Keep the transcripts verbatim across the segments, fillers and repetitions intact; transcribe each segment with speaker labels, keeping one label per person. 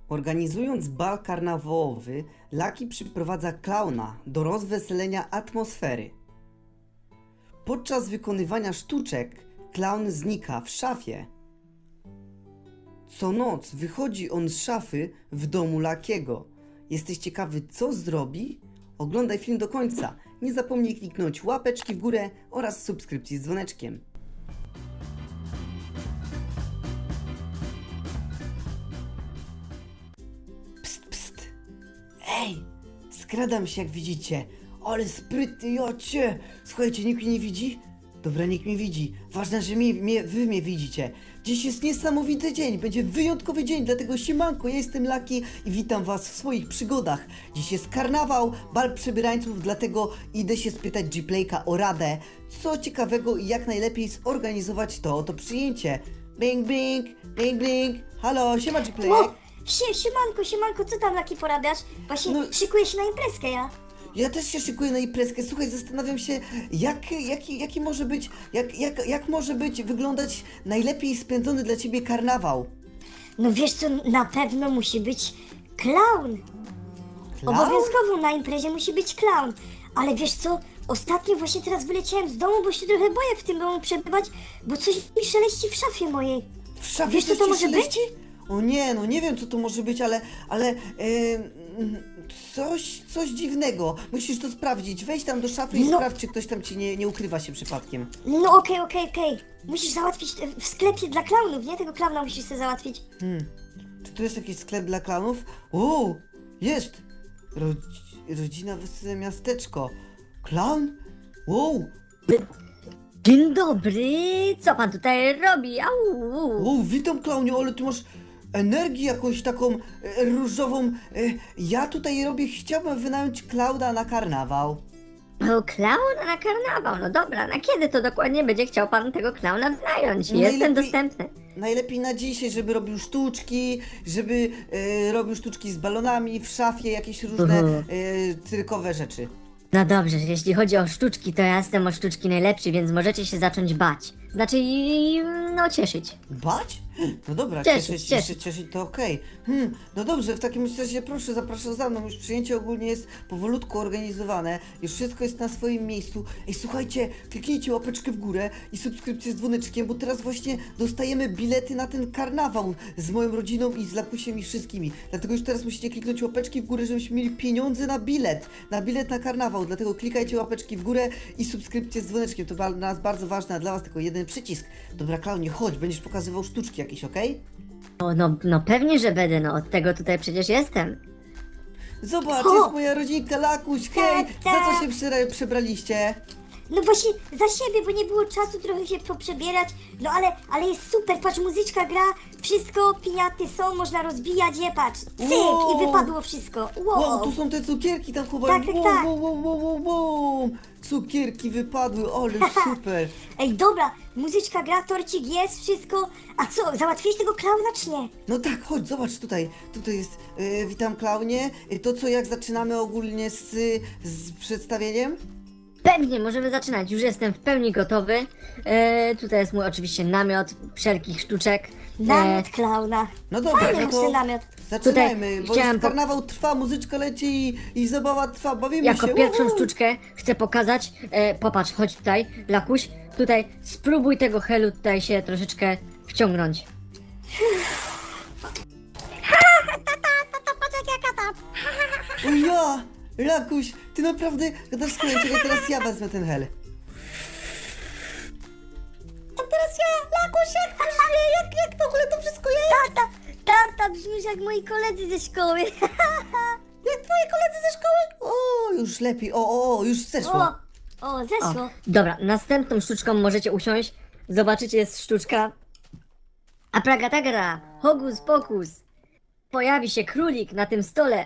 Speaker 1: Organizując bal karnawałowy, Lucky przyprowadza klauna do rozweselenia atmosfery. Podczas wykonywania sztuczek klaun znika w szafie. Co noc wychodzi on z szafy w domu Luckiego. Jesteś ciekawy, co zrobi? Oglądaj film do końca. Nie zapomnij kliknąć łapeczki w górę oraz subskrypcji z dzwoneczkiem. Pst, pst. Ej, skradam się, jak widzicie. Ale sprytny, jocie. Słuchajcie, nikt mnie nie widzi? Dobra, nikt mnie widzi. Ważne, że mnie, mnie, wy mnie widzicie. Dziś jest niesamowity dzień, będzie wyjątkowy dzień, dlatego siemanko, ja jestem Lucky i witam was w swoich przygodach. Dziś jest karnawał, bal przebierańców, dlatego idę się spytać Gplayka o radę, co ciekawego i jak najlepiej zorganizować to oto przyjęcie. Bing, bing, bing, bing. Halo, siema Gplayek.
Speaker 2: O, sie, siemanko, siemanko, co tam Lucky porabiasz? Właśnie
Speaker 1: No-
Speaker 2: szykuję się na imprezkę ja.
Speaker 1: Ja też się szykuję na imprezkę. Słuchaj, zastanawiam się, jak, jaki, jaki może być, jak, jak, jak może być, wyglądać najlepiej spędzony dla ciebie karnawał.
Speaker 2: No wiesz co, na pewno musi być klaun.
Speaker 1: Klaun?
Speaker 2: Obowiązkowo na imprezie musi być klaun. Ale wiesz co, ostatnio właśnie teraz wyleciałem z domu, bo się trochę boję w tym domu przebywać, bo coś mi szeleści w szafie mojej.
Speaker 1: W szafie
Speaker 2: Wiesz, co
Speaker 1: coś
Speaker 2: to
Speaker 1: ci
Speaker 2: może
Speaker 1: szeleści? O nie, no nie wiem, co to może być, ale, ale em, coś, coś dziwnego. Musisz to sprawdzić. Wejdź tam do szafy i
Speaker 2: No.
Speaker 1: sprawdź, czy ktoś tam ci nie, nie ukrywa się przypadkiem.
Speaker 2: No okej, okej, okej. Musisz załatwić e, w sklepie dla klaunów, nie? Tego klauna musisz sobie załatwić.
Speaker 1: Hmm. Czy tu jest jakiś sklep dla klanów? O, jest! Rodzi- rodzina Wesołe Miasteczko. Klaun? Wow!
Speaker 3: Dzień dobry, co pan tutaj robi? Au!
Speaker 1: O, witam klaunie, ale ty masz energię jakąś taką e, różową. E, ja tutaj robię, chciałbym wynająć klauna na karnawał.
Speaker 3: O, klaun na karnawał, no dobra, na kiedy to dokładnie będzie chciał pan tego klauna wynająć?
Speaker 1: No
Speaker 3: Jestem
Speaker 1: najlepiej-
Speaker 3: dostępny.
Speaker 1: Najlepiej na dzisiaj, żeby robił sztuczki, żeby e, robił sztuczki z balonami w szafie, jakieś różne
Speaker 3: Mhm.
Speaker 1: e, cyrkowe rzeczy.
Speaker 3: No dobrze, jeśli chodzi o sztuczki, to ja jestem o sztuczki najlepszy, więc możecie się zacząć bać. Znaczy, i- no cieszyć.
Speaker 1: Bać? No dobra,
Speaker 3: Cieszyć,
Speaker 1: cieszyć,
Speaker 3: cieszyć.
Speaker 1: cieszyć, cieszyć to okej. Hmm, no dobrze, w takim razie proszę, zapraszam za mną. Już przyjęcie ogólnie jest powolutku organizowane. Już wszystko jest na swoim miejscu. Ej, słuchajcie, kliknijcie łapeczkę w górę i subskrypcję z dzwoneczkiem, bo teraz właśnie dostajemy bilety na ten karnawał z moją rodziną i z Lakusiem i wszystkimi. Dlatego już teraz musicie kliknąć łapeczki w górę, żebyśmy mieli pieniądze na bilet. Na bilet na karnawał. Dlatego klikajcie łapeczki w górę i subskrypcję z dzwoneczkiem. To dla nas bardzo ważne, a dla was tylko jeden przycisk. Dobra, klaunie, chodź, będziesz pokazywał sztuczki jakieś, okej?
Speaker 3: O, no, no pewnie, że będę, no od tego tutaj przecież jestem.
Speaker 1: Zobacz,
Speaker 2: O!
Speaker 1: jest moja rodzinka, Lakuś, hej! Za
Speaker 2: Tata!
Speaker 1: co się przera- przebraliście?
Speaker 2: No właśnie za siebie, bo nie było czasu trochę się poprzebierać. No ale, ale jest super, patrz, muzyczka gra, wszystko, piniaty są, można rozbijać je, patrz, cyk
Speaker 1: Wow.
Speaker 2: i wypadło wszystko. Wow.
Speaker 1: Wow, tu są te cukierki tam chyba.
Speaker 2: Tak, tak,
Speaker 1: wow,
Speaker 2: tak.
Speaker 1: wow, wow, wow, wow, wow. Cukierki wypadły, ale super.
Speaker 2: Ej, dobra, muzyczka gra, torcik jest, wszystko. A co, załatwiłeś tego klauna czy nie?
Speaker 1: No tak, chodź, zobacz tutaj. Tutaj jest, e, witam klaunie. E, To co, jak zaczynamy ogólnie z, z przedstawieniem?
Speaker 3: Pewnie, możemy zaczynać, już jestem w pełni gotowy. E, tutaj jest mój oczywiście namiot wszelkich sztuczek. E,
Speaker 2: Namiot klauna.
Speaker 1: No dobra,
Speaker 2: Fajny
Speaker 1: no
Speaker 2: masz
Speaker 1: to
Speaker 2: ten namiot.
Speaker 1: zaczynajmy,
Speaker 3: Tutaj
Speaker 1: bo
Speaker 3: chciałem
Speaker 1: jest
Speaker 3: po-
Speaker 1: karnawał trwa, muzyczka leci i, i zabawa trwa, bawimy
Speaker 3: Jako
Speaker 1: się.
Speaker 3: pierwszą
Speaker 1: Uhu.
Speaker 3: sztuczkę chcę pokazać, e, popatrz, chodź tutaj, Lakuś, tutaj spróbuj tego helu tutaj się troszeczkę wciągnąć.
Speaker 1: O ja! Lakuś, ty naprawdę gadasz z kolei, czekaj, teraz ja wezmę ten hel. A teraz ja, Lakuś, jak myślę, jak, jak w ogóle to wszystko jest?
Speaker 2: Tata, tata, brzmisz jak moi koledzy ze szkoły.
Speaker 1: Jak twoi koledzy ze szkoły? O, już lepiej, o, o, o już zeszło.
Speaker 2: O, o,
Speaker 3: O,
Speaker 2: zeszło.
Speaker 3: dobra, następną sztuczką możecie usiąść, zobaczycie, jest sztuczka Abracadabra, hokus pokus. Pojawi się królik na tym stole.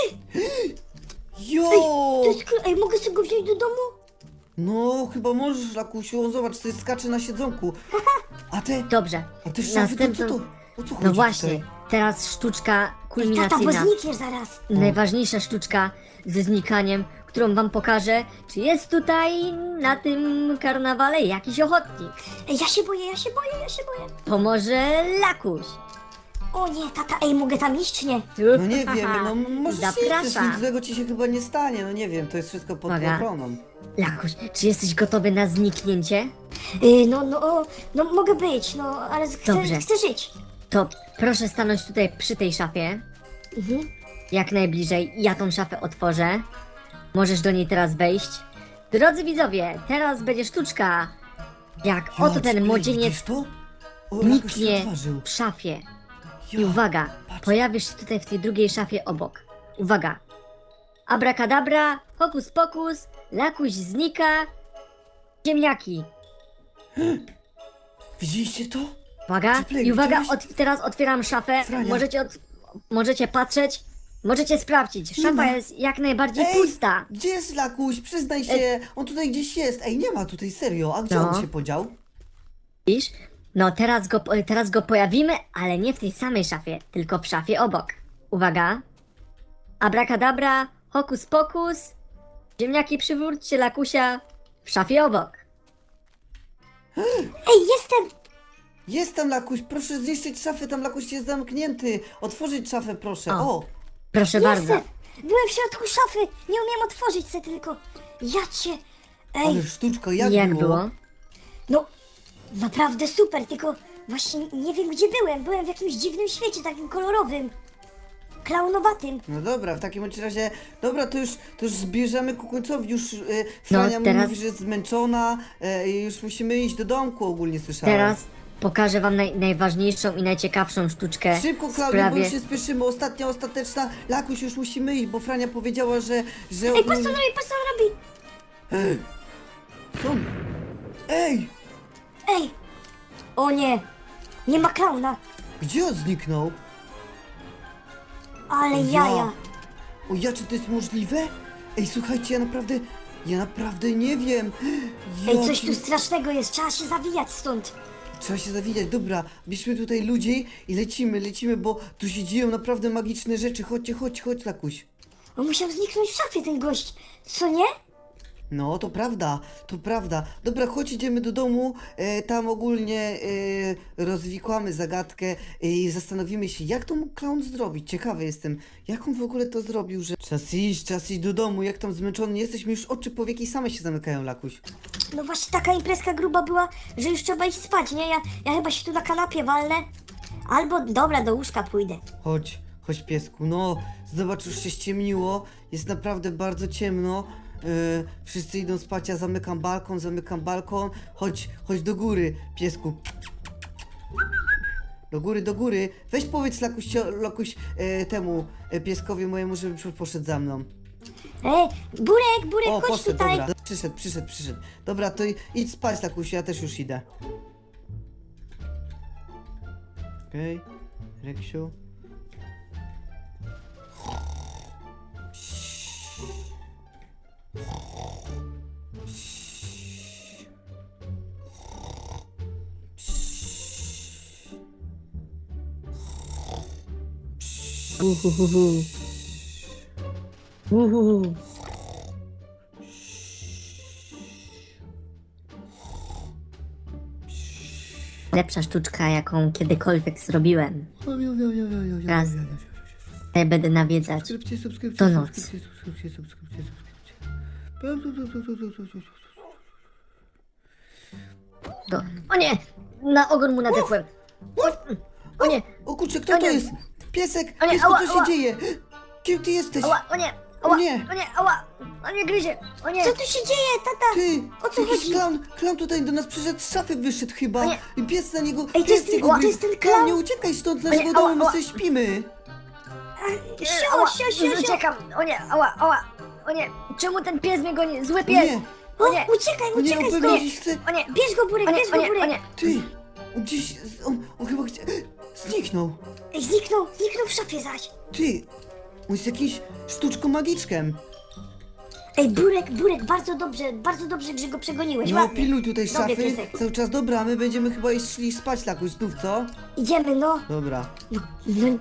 Speaker 1: Jo!
Speaker 2: To jest, kl- ej, mogę sobie go wziąć do domu?
Speaker 1: No, chyba możesz, Lakusiu, on zobacz, to skacze na siedzonku. A te,
Speaker 3: Dobrze,
Speaker 1: a te szafy, to co
Speaker 3: następną...
Speaker 1: to? O co chodzi
Speaker 3: No właśnie,
Speaker 1: tutaj?
Speaker 3: teraz sztuczka
Speaker 2: Ej, tata, bo
Speaker 3: kulminacyjna.
Speaker 2: znikniesz zaraz.
Speaker 3: Najważniejsza sztuczka ze znikaniem, którą wam pokażę, czy jest tutaj na tym karnawale jakiś ochotnik.
Speaker 2: Ej, ja się boję, ja się boję, ja się boję.
Speaker 3: To może Lakuś.
Speaker 2: O nie, tata, ej, mogę tam iść, czy nie?
Speaker 1: No nie wiem, no możesz iść, też nic
Speaker 3: Zapraszam.
Speaker 1: złego ci się chyba nie stanie, no nie wiem, to jest wszystko pod
Speaker 3: Uwaga.
Speaker 1: ochroną.
Speaker 3: Lakuś, czy jesteś gotowy na zniknięcie?
Speaker 2: Yy, no, no, o, no mogę być, no, ale chcę,
Speaker 3: Dobrze.
Speaker 2: chcę żyć.
Speaker 3: To proszę stanąć tutaj przy tej szafie.
Speaker 2: Mhm.
Speaker 3: Jak najbliżej. Ja tą szafę otworzę. Możesz do niej teraz wejść. Drodzy widzowie, teraz będzie sztuczka. Jak oto
Speaker 1: Jacek,
Speaker 3: ten
Speaker 1: Blake,
Speaker 3: młodzieniec
Speaker 1: widzisz to? O, jakoś się
Speaker 3: niknie
Speaker 1: odważył.
Speaker 3: w szafie. I
Speaker 1: Ja,
Speaker 3: uwaga,
Speaker 1: patrz.
Speaker 3: pojawisz się tutaj w tej drugiej szafie obok. Uwaga. Abracadabra, hokus pokus, Lakuś znika. Ziemniaki.
Speaker 1: Widzieliście to?
Speaker 3: Uwaga,
Speaker 1: Czy Blake,
Speaker 3: i uwaga,
Speaker 1: widziałeś?
Speaker 3: od, teraz otwieram szafę.
Speaker 1: Frania.
Speaker 3: Możecie, od, możecie patrzeć, możecie sprawdzić.
Speaker 1: Nie
Speaker 3: Szafa
Speaker 1: ma.
Speaker 3: jest jak najbardziej
Speaker 1: Ej,
Speaker 3: pusta.
Speaker 1: Gdzie jest Lakuś? Przyznaj się, on tutaj gdzieś jest. Ej, nie ma tutaj, serio, a gdzie
Speaker 3: No.
Speaker 1: on się podział?
Speaker 3: Widzisz? No teraz go, teraz go pojawimy, ale nie w tej samej szafie, tylko w szafie obok. Uwaga. Abracadabra, hokus pokus. Ziemniaki przywróćcie Lakusia w szafie obok.
Speaker 2: Ej, jestem!
Speaker 1: Jest tam Lakuś, proszę zniszczyć szafę, tam Lakuś jest zamknięty. Otworzyć szafę, proszę,
Speaker 3: O.
Speaker 1: o.
Speaker 3: Proszę bardzo.
Speaker 2: Jestem! Byłem w środku szafy, nie umiem otworzyć se tylko. Ja cię... Ej,
Speaker 1: Ale sztuczka, jak,
Speaker 3: Jak
Speaker 1: było?
Speaker 3: było?
Speaker 2: no, naprawdę super, tylko właśnie nie wiem gdzie byłem. Byłem w jakimś dziwnym świecie, takim kolorowym. Klaunowatym.
Speaker 1: No dobra, w takim bądź razie, dobra, to już, to już zbierzemy ku końcowi, już y, Frania
Speaker 3: No, teraz-
Speaker 1: mówi, że jest zmęczona, y, i już musimy iść do domku, ogólnie słyszałem.
Speaker 3: Teraz pokażę wam naj, najważniejszą i najciekawszą sztuczkę
Speaker 1: Szybko,
Speaker 3: w
Speaker 1: Klaudia, bo
Speaker 3: sprawie...
Speaker 1: już się spieszymy, ostatnia, ostateczna, Lakuś, już musimy iść, bo Frania powiedziała, że, że
Speaker 2: Ej, patrz co
Speaker 1: ogólnie...
Speaker 2: on robi, patrz co on robi!
Speaker 1: Ej, co on? Ej,
Speaker 2: Ej! O nie! Nie ma klauna,
Speaker 1: gdzie on zniknął?
Speaker 2: ale
Speaker 1: O
Speaker 2: jaja.
Speaker 1: O ja, czy to jest możliwe? Ej, słuchajcie, ja naprawdę, ja naprawdę nie wiem.
Speaker 2: Ej,
Speaker 1: Jaki-
Speaker 2: coś tu strasznego jest, trzeba się zawijać stąd.
Speaker 1: Trzeba się zawijać, dobra, bierzmy tutaj ludzi i lecimy, lecimy, bo tu się dzieją naprawdę magiczne rzeczy. Chodźcie, chodź, chodź, Lakuś.
Speaker 2: On musiał zniknąć w szafie, ten gość. Co nie?
Speaker 1: No, to prawda, to prawda. Dobra, chodź, idziemy do domu, e, tam ogólnie e, rozwikłamy zagadkę e, i zastanowimy się, jak to mógł clown zrobić. Ciekawy jestem, jak on w ogóle to zrobił, że... Czas iść, czas iść do domu, jak tam zmęczony jesteśmy, już oczy powieki same się zamykają, Lakuś.
Speaker 2: No właśnie taka imprezka gruba była, że już trzeba iść spać, nie? Ja, ja chyba się tu na kanapie walnę. Albo, dobra, do łóżka pójdę.
Speaker 1: Chodź, chodź piesku, no, zobacz, już się ściemniło, jest naprawdę bardzo ciemno. Yy, wszyscy idą spać, ja zamykam balkon, zamykam balkon. Chodź, chodź do góry, piesku. Do góry, do góry. Weź powiedz Lakuś, Lakuś e, temu e, pieskowi mojemu, żeby przy- poszedł za mną.
Speaker 2: Ej, Burek, Burek,
Speaker 1: O,
Speaker 2: chodź
Speaker 1: poszedł,
Speaker 2: tutaj.
Speaker 1: dobra. Przyszedł, przyszedł, przyszedł. Dobra, to i- idź spać, Lakuś, ja też już idę. Okej, okay. Reksiu.
Speaker 3: Uhuhuhu. Uhuhu. Lepsza sztuczka, jaką kiedykolwiek zrobiłem. Raz. Ja będę nawiedzać.
Speaker 1: Subskrypcje, subskrypcje,
Speaker 3: To noc.
Speaker 1: subskrypcje, subskrypcje, subskrypcje, subskrypcje.
Speaker 3: To... O nie! Na ogon mu nadepłem. O nie!
Speaker 1: O kurczę, kto
Speaker 3: O
Speaker 1: to
Speaker 3: nie.
Speaker 1: jest? Piesek,
Speaker 3: O nie,
Speaker 1: piesku,
Speaker 3: ała,
Speaker 1: co się
Speaker 3: ała.
Speaker 1: dzieje? Kim ty jesteś?
Speaker 3: Ała, o nie! Ała,
Speaker 1: O nie.
Speaker 3: o nie, ała! O nie, gryzie! O nie!
Speaker 2: Co tu się dzieje, tata?
Speaker 1: Ty,
Speaker 2: O co
Speaker 1: jakiś
Speaker 2: chodzi?
Speaker 1: Klaun, klaun tutaj do nas przyszedł, z szafy wyszedł chyba.
Speaker 3: O nie.
Speaker 1: I pies na niego,
Speaker 2: Ej, to
Speaker 1: pies
Speaker 2: jest ten-
Speaker 1: jego
Speaker 2: to
Speaker 1: gryzł.
Speaker 2: jest ten
Speaker 1: Klaun,
Speaker 2: klaun?
Speaker 1: nie uciekaj stąd z
Speaker 3: O nie,
Speaker 1: naszego
Speaker 3: ała,
Speaker 1: domu, my
Speaker 3: ała.
Speaker 1: sobie śpimy.
Speaker 2: Sio,
Speaker 3: Ała,
Speaker 2: sio, sio, sio.
Speaker 3: uciekam! O nie, ała, ała! O nie! Czemu ten pies mnie goni? Zły
Speaker 1: O
Speaker 3: pies!
Speaker 1: nie,
Speaker 2: O,
Speaker 3: O nie!
Speaker 2: uciekaj,
Speaker 1: o nie, on
Speaker 2: uciekaj
Speaker 1: pewnie
Speaker 2: stąd.
Speaker 1: gdzieś chce...
Speaker 3: O nie!
Speaker 2: Bierz go, Burek,
Speaker 3: O nie,
Speaker 2: bierz
Speaker 3: o
Speaker 2: go,
Speaker 3: nie, o
Speaker 2: Burek.
Speaker 3: nie!
Speaker 1: Ty, on gdzieś, on, on chyba gdzie... Zniknął.
Speaker 2: Ej, zniknął, zniknął w szafie zaś.
Speaker 1: Ty, on jest jakimś sztuczką magiczkiem.
Speaker 2: Ej, Burek, Burek, bardzo dobrze, bardzo dobrze, że go przegoniłeś,
Speaker 1: No,
Speaker 2: ładnie.
Speaker 1: pilnuj tutaj
Speaker 2: Dobry
Speaker 1: szafy
Speaker 2: piesek.
Speaker 1: cały czas. Dobra, a my będziemy chyba iść szli spać Lakuś znów, co?
Speaker 2: Idziemy, no.
Speaker 1: Dobra.
Speaker 2: No, no.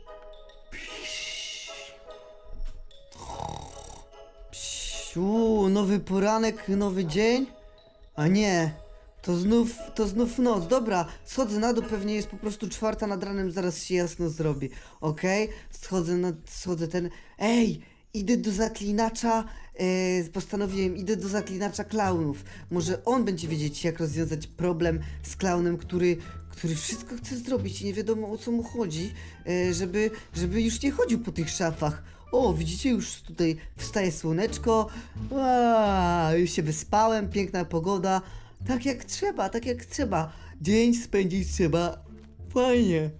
Speaker 1: Psiu, nowy poranek, nowy dzień? A nie, to znów, to znów noc. Dobra, schodzę na dół, pewnie jest po prostu czwarta nad ranem, zaraz się jasno zrobi. Okej, schodzę na, schodzę ten... Ej, idę do zaklinacza, e, postanowiłem, idę do zaklinacza klaunów. Może on będzie wiedzieć, jak rozwiązać problem z klaunem, który, który wszystko chce zrobić i nie wiadomo, o co mu chodzi, e, żeby, żeby już nie chodził po tych szafach. O, widzicie, już tutaj wstaje słoneczko. A, już się wyspałem, piękna pogoda. Tak jak trzeba, tak jak trzeba. Dzień spędzić trzeba. Fajnie.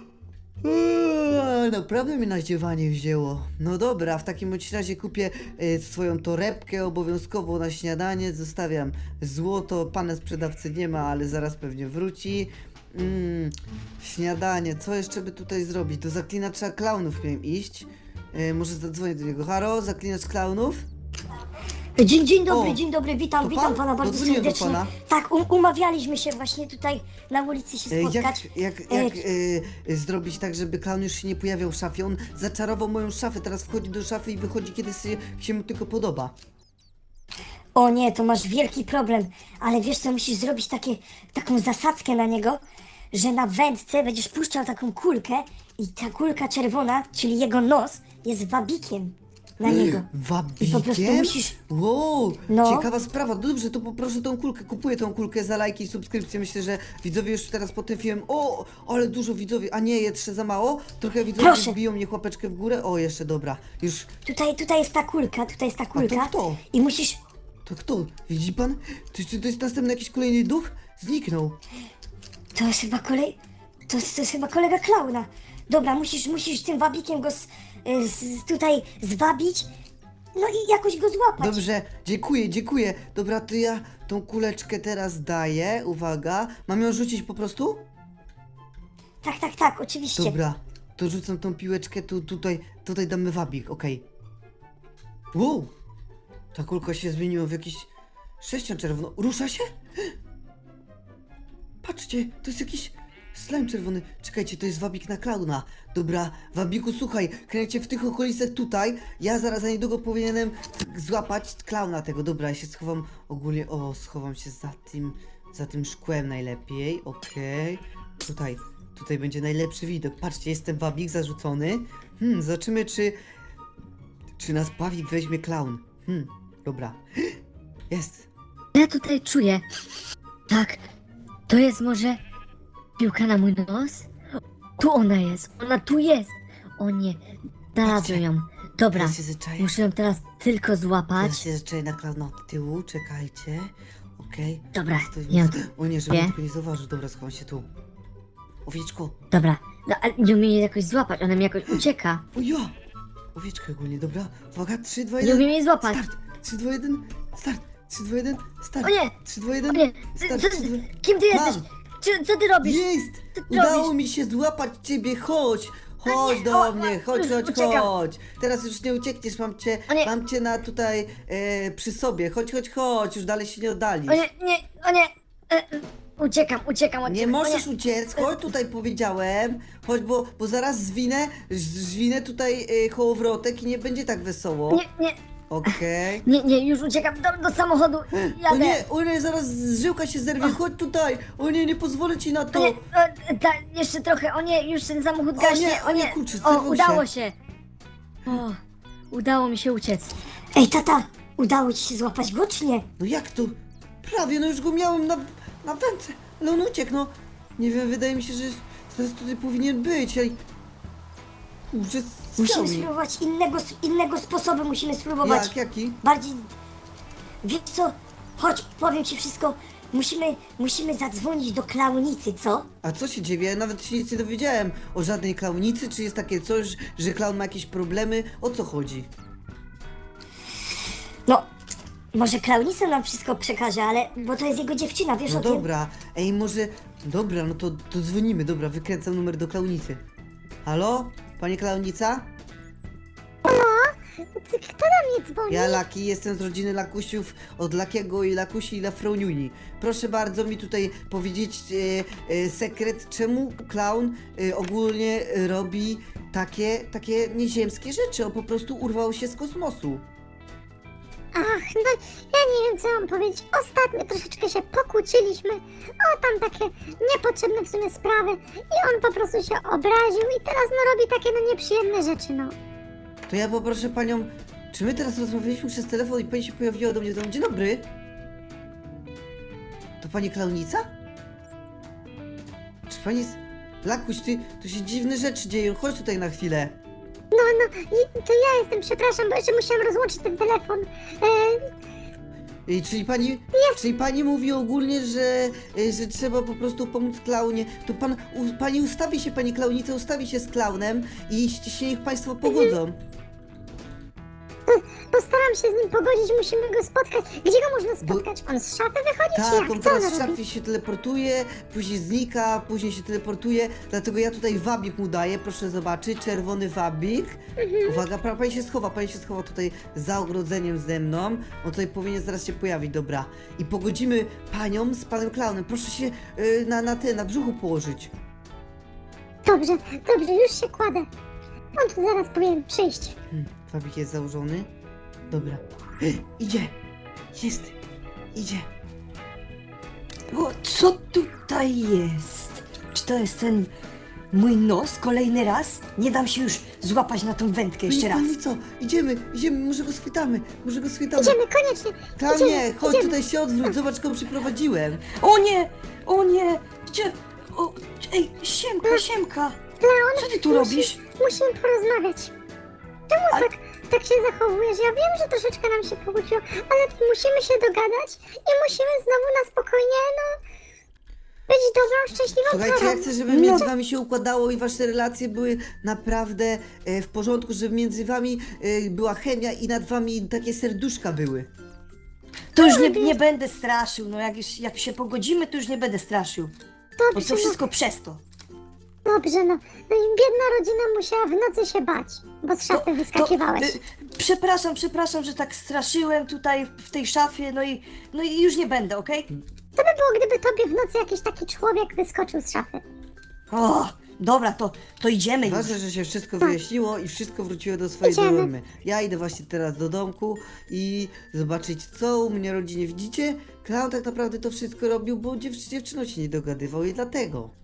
Speaker 1: Eee, naprawdę mnie na zdziewanie wzięło. No dobra, w takim bądź razie kupię e, swoją torebkę obowiązkowo na śniadanie. Zostawiam złoto. Pana sprzedawcy nie ma, ale zaraz pewnie wróci. Mm, śniadanie. Co jeszcze by tutaj zrobić? Do zaklinacza klaunów miałem iść. E, może zadzwonię do niego. Halo, zaklinacz klaunów?
Speaker 2: Dzień, dzień dobry,
Speaker 1: O,
Speaker 2: dzień dobry, witam,
Speaker 1: to
Speaker 2: witam
Speaker 1: pan?
Speaker 2: pana bardzo
Speaker 1: Dodzwoniłem do
Speaker 2: serdecznie.
Speaker 1: pana.
Speaker 2: Tak, um, umawialiśmy się właśnie tutaj na ulicy się
Speaker 1: E,
Speaker 2: spotkać.
Speaker 1: Jak, jak,
Speaker 2: E,
Speaker 1: jak e, zrobić tak, żeby klaun już się nie pojawiał w szafie? On zaczarował moją szafę, teraz wchodzi do szafy i wychodzi, kiedy się, się mu tylko podoba.
Speaker 2: O nie, to masz wielki problem, ale wiesz co, musisz zrobić takie, taką zasadzkę na niego, że na wędce będziesz puszczał taką kulkę i ta kulka czerwona, czyli jego nos, jest wabikiem na niego.
Speaker 1: Wabikiem?
Speaker 2: I po prostu musisz-
Speaker 1: Wow,
Speaker 2: No.
Speaker 1: ciekawa sprawa. Dobrze, to poproszę tą kulkę. Kupuję tą kulkę za lajki i subskrypcję. Myślę, że widzowie już teraz po tym filmie... O, ale dużo widzowie. A nie, jeszcze za mało? Trochę widzowie
Speaker 2: Proszę.
Speaker 1: wbiją mnie łapeczkę w górę. O, jeszcze dobra. Już...
Speaker 2: Tutaj, tutaj jest ta kulka, tutaj jest ta kulka.
Speaker 1: kto?
Speaker 2: I musisz...
Speaker 1: To kto? Widzi pan? To, to, to jest następny jakiś kolejny duch? Zniknął.
Speaker 2: To jest chyba kolej... To jest, to jest chyba kolega klauna. Dobra, musisz, musisz tym wabikiem go z, z, tutaj zwabić, no i jakoś go złapać.
Speaker 1: Dobrze, dziękuję, dziękuję. Dobra, to ja tą kuleczkę teraz daję. Uwaga. Mam ją rzucić po prostu?
Speaker 2: Tak, tak, tak, oczywiście.
Speaker 1: Dobra, to rzucam tą piłeczkę, tu, tutaj, tutaj damy wabik, okej. Wow! Ta kulka się zmieniła w jakiś sześcian czerwono. Rusza się? Patrzcie, to jest jakiś slime czerwony. Czekajcie, to jest wabik na klauna. Dobra, wabiku, słuchaj, kręcie w tych okolicach tutaj. Ja zaraz za niedługo powinienem złapać klauna tego. Dobra, ja się schowam ogólnie. O, schowam się za tym, za tym szkłem najlepiej. Okej. Tutaj, tutaj będzie najlepszy widok. Patrzcie, jest ten wabik zarzucony. Hmm, zobaczymy, czy, czy nas wabik weźmie klaun. Hmm, dobra. Jest.
Speaker 3: Ja tutaj czuję. Tak, to jest może piłka na mój nos? Tu ona jest, ona tu jest. O nie, znalazłem ją. Dobra,
Speaker 1: Teraz się zaczaję.
Speaker 3: muszę ją teraz tylko złapać.
Speaker 1: Teraz się zaczaję na klauna od tyłu, czekajcie. Okej.
Speaker 3: Dobra,
Speaker 1: Stoi-
Speaker 3: ja-
Speaker 1: O nie, żeby
Speaker 3: Nie.
Speaker 1: mnie tylko nie zauważył. Dobra, schowam się tu. Owieczko.
Speaker 3: Dobra, no ale nie umiem jej jakoś złapać, ona mi jakoś ucieka.
Speaker 1: O ja! Owieczka ogólnie, dobra. Uwaga, trzy, dwa,
Speaker 3: Nie
Speaker 1: jeden.
Speaker 3: umiem jej złapać.
Speaker 1: Start! trzy, dwa, jeden. Start! trzy, dwa, jeden. Start!
Speaker 3: O nie!
Speaker 1: trzy, dwa,
Speaker 3: O
Speaker 1: jeden.
Speaker 3: nie,
Speaker 1: Start!
Speaker 3: co,
Speaker 1: trzy, dwa...
Speaker 3: kim ty jesteś?
Speaker 1: Mam.
Speaker 3: Czy, co ty robisz?
Speaker 1: Jest!
Speaker 3: Co ty
Speaker 1: Udało
Speaker 3: robisz?
Speaker 1: mi się złapać ciebie, chodź! Chodź
Speaker 3: nie,
Speaker 1: do
Speaker 3: o,
Speaker 1: mnie,
Speaker 3: o,
Speaker 1: chodź,
Speaker 3: już
Speaker 1: chodź,
Speaker 3: uciekam.
Speaker 1: chodź! Teraz już nie uciekniesz, mam cię,
Speaker 3: O nie.
Speaker 1: mam cię na tutaj e, przy sobie. Chodź, chodź, chodź, już dalej się nie oddalisz.
Speaker 3: O nie, nie, o nie. E, e, uciekam, uciekam od
Speaker 1: Nie
Speaker 3: ciebie.
Speaker 1: możesz
Speaker 3: o nie.
Speaker 1: uciec, chodź tutaj powiedziałem. Chodź, bo, bo zaraz zwinę, z- zwinę tutaj y, kołowrotek i nie będzie tak wesoło.
Speaker 3: Nie, nie,
Speaker 1: Okej.
Speaker 3: nie, nie, już uciekam do, do samochodu.
Speaker 1: O
Speaker 3: Jadę.
Speaker 1: nie, o nie, zaraz żyłka się zerwie, chodź tutaj. O nie, nie pozwolę ci na
Speaker 3: O
Speaker 1: to.
Speaker 3: nie, o, ta, jeszcze trochę, o nie, już ten samochód
Speaker 1: O
Speaker 3: gaśnie,
Speaker 1: nie, o nie, kurczę,
Speaker 3: o,
Speaker 1: zerwał
Speaker 3: udało
Speaker 1: się.
Speaker 3: się. O, udało mi się uciec.
Speaker 2: Ej, tata, udało ci się złapać go, czy nie?
Speaker 1: No jak to? Prawie, no już go miałem na, na wędce, ale on uciekł, no. Nie wiem, wydaje mi się, że teraz tutaj powinien być, ej. Kurczę,
Speaker 2: Musimy
Speaker 1: zdział mi.
Speaker 2: spróbować innego, innego sposobu, musimy spróbować.
Speaker 1: Jak, jaki?
Speaker 2: Bardziej... Wiesz co? Chodź, powiem ci wszystko. Musimy, musimy zadzwonić do klaunicy, co?
Speaker 1: A co się dzieje? Ja nawet się nic nie dowiedziałem o żadnej klaunicy. Czy jest takie coś, że klaun ma jakieś problemy? O co chodzi?
Speaker 2: No, może klaunica nam wszystko przekaże, ale... Bo to jest jego dziewczyna, wiesz
Speaker 1: No
Speaker 2: o tym?
Speaker 1: dobra, ej może... Dobra, no to, to dzwonimy, dobra, wykręcam numer do klaunicy. Halo? Pani klaunica?
Speaker 4: Kto do mnie dzwoni?
Speaker 1: Ja Laki, jestem z rodziny Lakusiów, od Lakiego i Lakusi i Lafroniuni. Proszę bardzo mi tutaj powiedzieć e, e, sekret, czemu klaun e, ogólnie robi takie, takie nieziemskie rzeczy. On po prostu urwał się z kosmosu.
Speaker 4: Ach, no ja nie wiem co mam powiedzieć. Ostatnio troszeczkę się pokłóciliśmy. O, tam takie niepotrzebne w sumie sprawy. I on po prostu się obraził i teraz no robi takie no nieprzyjemne rzeczy, no.
Speaker 1: To ja poproszę panią, czy my teraz rozmawialiśmy przez telefon i pani się pojawiła do mnie w domu? Dzień dobry. To pani klaunica? Czy pani jest... Lakuś, ty, tu się dziwne rzeczy dzieją, chodź tutaj na chwilę.
Speaker 4: No, no, i to ja jestem, przepraszam, bo jeszcze musiałam rozłączyć ten telefon. E,
Speaker 1: I, czyli pani, czyli pani mówi ogólnie, że, y, że trzeba po prostu pomóc klaunie. To pan, u, pani ustawi się, pani klaunica ustawi się z klaunem i się niech państwo pogodzą.
Speaker 4: Postaram się z nim pogodzić, musimy go spotkać. Gdzie go można spotkać? On z szafy wychodzi, czy
Speaker 1: Tak,
Speaker 4: jak?
Speaker 1: on
Speaker 4: Co on
Speaker 1: teraz w
Speaker 4: robi?
Speaker 1: szafie się teleportuje, później znika, później się teleportuje, dlatego ja tutaj wabik mu daję, proszę zobaczyć, czerwony wabik. Uwaga, pra- pani się schowa, pani się schowa tutaj za ogrodzeniem ze mną, on tutaj powinien zaraz się pojawić, dobra. I pogodzimy panią z panem klaunem, proszę się y, na, na ty, na brzuchu położyć.
Speaker 4: Dobrze, dobrze, już się kładę. On tu zaraz powinien przyjść.
Speaker 1: Hmm, wabik jest założony. Dobra. Idzie! Jest! Idzie!
Speaker 2: O, co tutaj jest? Czy to jest ten mój nos kolejny raz? Nie dam się już złapać na tą wędkę jeszcze raz.
Speaker 1: No i co? Idziemy, idziemy, może go schwytamy, może go schwytamy.
Speaker 4: Idziemy, koniecznie.
Speaker 1: Klaunie,
Speaker 4: Idziemy,
Speaker 1: chodź
Speaker 4: idziemy.
Speaker 1: tutaj się odwróć, zobacz kogo przyprowadziłem.
Speaker 2: O nie! O nie! Gdzie? O, ej, Siemka, Siemka!
Speaker 4: Leon,
Speaker 2: Co ty tu
Speaker 4: musi-
Speaker 2: robisz?
Speaker 4: Musimy porozmawiać. Czemu tak, tak się zachowujesz? Ja wiem, że troszeczkę nam się pokłóciło, ale musimy się dogadać i musimy znowu na spokojnie, no, być dobrą, szczęśliwą
Speaker 1: Słuchajcie,
Speaker 4: parą.
Speaker 1: ja chcę, żeby między wami się układało i wasze relacje były naprawdę e, w porządku, żeby między wami e, była chemia i nad wami takie serduszka były.
Speaker 2: To już nie, nie będę straszył, no jak, już, jak się pogodzimy, to już nie będę straszył. Bo
Speaker 4: Dobrze,
Speaker 2: to
Speaker 4: no,
Speaker 2: wszystko przez to.
Speaker 4: dobrze, no. No i biedna rodzina musiała w nocy się bać, bo z szafy wyskakiwałeś.
Speaker 2: y, przepraszam, przepraszam, że tak straszyłem tutaj w tej szafie, no i, no i już nie będę, okej?
Speaker 4: Co by było, gdyby tobie w nocy jakiś taki człowiek wyskoczył z szafy?
Speaker 2: O, dobra, to, to idziemy już.
Speaker 1: Ważne, że się wszystko wyjaśniło i wszystko wróciło do swojej
Speaker 4: Idziemy.
Speaker 1: normy. Ja idę właśnie teraz do domku i zobaczyć, co u mnie rodzinie. Widzicie? Klaun tak naprawdę to wszystko robił, bo dziew dziewczyną się nie dogadywał i dlatego.